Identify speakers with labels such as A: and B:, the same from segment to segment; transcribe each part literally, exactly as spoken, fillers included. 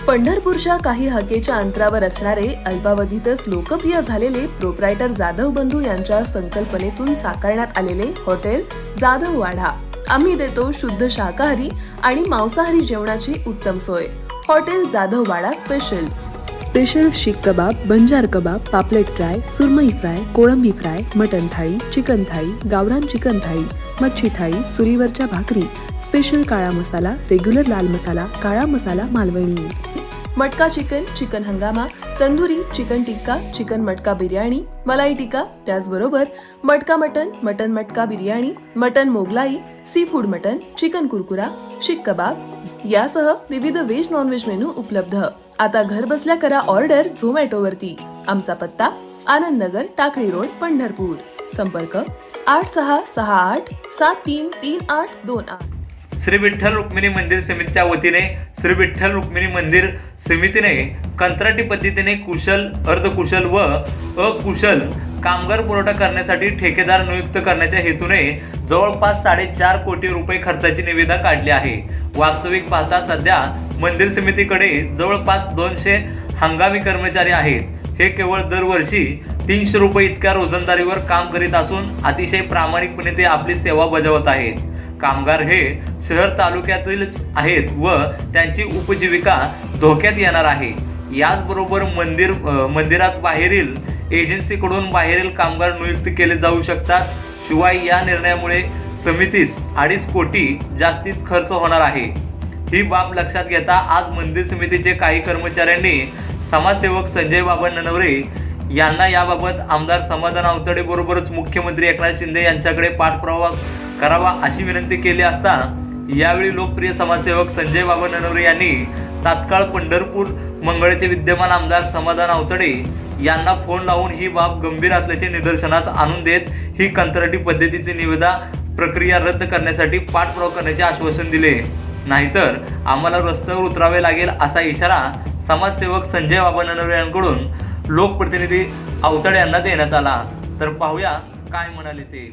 A: पंढरपूरच्या काही हाकेच्या अंतरावर असणारे अल्पावधीतच लोकप्रिय झालेले प्रोप्रायटर जाधव बंधू यांच्या संकल्पनेतून साकारण्यात आलेले हॉटेल जाधव वाडा. आम्ही देतो शुद्ध शाकाहारी आणि मांसाहारी जेवणाची उत्तम सोय. Hotel Jadhav Wada special special seekh kabab, banjara kabab, पापलेट फ्राय, सुरमई फ्राय, कोळंबी fry, mutton thali, chicken thali, गावरान चिकन थाळी, मच्छी थाळी, चुलीवरच्या भाकरी, स्पेशल काळा मसाला, रेग्युलर लाल मसाला, काळा मसाला मालवणी, मटका चिकन, चिकन हंगामा, तंदुरी, चिकन टिक्का, चिकन मटका बिर्याणी, मलाई टिक्का, त्याचबरोबर मटका मटन, मटन मटका biryani, mutton Mughlai, seafood mutton, chicken कुरकुरा, शीख कबाब यासह विविध व्हेज नॉनव्हेज मेनू उपलब्ध. आता घर बसल्या करा ऑर्डर झोमॅटो वरती. आमचा पत्ता आनंद नगर, टाकळी रोड, पंढरपूर. संपर्क आठ सहा सहा आठ सात तीन तीन आठ दोन आठ.
B: श्री विठ्ठल रुक्मिणी मंदिर समितीच्या वतीने श्री विठ्ठल रुक्मिणी मंदिर समितीने कंत्राटी पद्धतीने कुशल, अर्धकुशल व अकुशल कामगार पुरवठा करण्यासाठी ठेकेदार नियुक्त करण्याच्या हेतूने जवळपास साडेचार कोटी रुपये खर्चाची निविदा काढली आहे. वास्तविक पाहता सध्या मंदिर समितीकडे जवळपास दोनशे हंगामी कर्मचारी आहेत. हे केवळ दरवर्षी तीनशे रुपये इतक्या रोजंदारीवर काम करीत असून अतिशय प्रामाणिकपणे ते आपली सेवा बजावत आहेत. कामगार हे शहर तालुक्यातीलच आहेत व त्यांची उपजीविका धोक्यात येणार आहे. याचबरोबर मंदिर मंदिरात बाहेरील एजन्सीकडून बाहेरील कामगार नियुक्त केले जाऊ शकतात. शिवाय या निर्णयामुळे समितीस अडीच कोटी जास्तीत खर्च होणार आहे. ही बाब लक्षात घेता आज मंदिर समितीचे काही कर्मचाऱ्यांनी समाजसेवक संजय बाबा ननवरे यांना याबाबत आमदार समाधान आवतडे बरोबरच मुख्यमंत्री एकनाथ शिंदे यांच्याकडे पाठपुरावा करावा अशी विनंती केली असता यावेळी लोकप्रिय समाजसेवक संजय बाबा ननवरे यांनी तात्काळ पंढरपूर मंगळचे विद्यमान आमदार समाधान आवतडे यांना फोन लावून ही बाब गंभीर असल्याचे निदर्शनास आणून देत ही कंत्राटी पद्धतीची निविदा प्रक्रिया रद्द करण्यासाठी पाठपुरावा करण्याचे आश्वासन दिले. नाहीतर आम्हाला रस्त्यावर उतरावे लागेल असा इशारा समाजसेवक संजय बाबा ननवरे यांकडून लोकप्रतिनिधी आवतडे यांना देण्यात आला. तर पाहूया काय म्हणाले ते.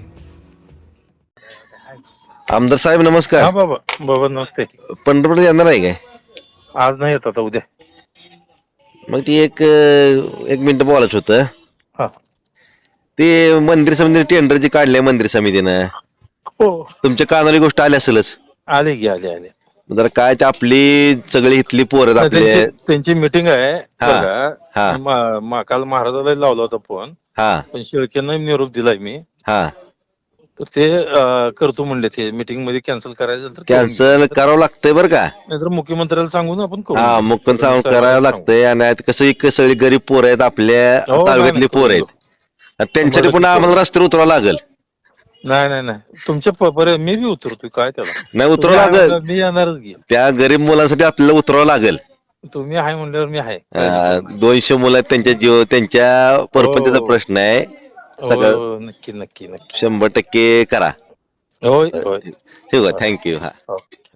C: आमदार साहेब नमस्कार.
D: हा बाबा बाबा नमस्ते.
C: पंढरपूर येणार आहे काय?
D: आज नाही येत, आता उद्या.
C: मग ती एक एक मिनिट बोलायचं होतं.
D: हा
C: ते मंदिर समितीने टेंडर जे काढले मंदिर समितीनं,
D: हो
C: तुमच्या कानाली गोष्ट आली असेलच.
D: आले की आले आले.
C: जरा काय ते आपली सगळी इथली पोरं आपले
D: त्यांची- त्यांची मिटिंग आहे
C: हा,
D: बघा.
C: हा.
D: मा- मा- काल महाराजाला लावला होता फोन,
C: हा
D: पण शेळकेनं निरोप दिलाय मी.
C: हा
D: तर ते अं, करतो म्हणले. ते मिटिंग मध्ये कॅन्सल करायचं तर करून
C: कॅन्सल
D: घेऊ.
C: करावं लागतंय बरं का?
D: नाहीतर मुख्यमंत्र्याला सांगून आपण करू.
C: हा मुक्कन सांगून करावं लागतंय. आणि आता कसं एक सगळी गरीब पोरं आहेत आपल्या
D: हो,
C: तालुक्यातली
D: नाही,
C: पोरं आहेत. आणि त्यांच्यासाठी पुन्हा आम्हाला रस्त्यावर उतरावं लागेल.
D: नाही नाही नाही तुमच्या प- बरं मी बी उतरतोय, काय त्याला.
C: नाही उतरावं
D: तुम्ही
C: लागेल.
D: आहे, मी येणारच घे.
C: त्या गरीब मुलांसाठी आपल्याला उतरावं लागेल.
D: तुम्ही आहे म्हणल्यावर मी आहे.
C: अं, दोनशे मुलं आहेत, त्यांच्या जीव त्यांच्या परपंचाचा
D: हो.
C: प्रश्न आहे.
D: हो,
C: सगळं
D: हो, नक्की नक्की नक्की.
C: शंभर टक्के करा.
D: होय होय.
C: ठीक आहे, थँक्यू. हा
D: हो.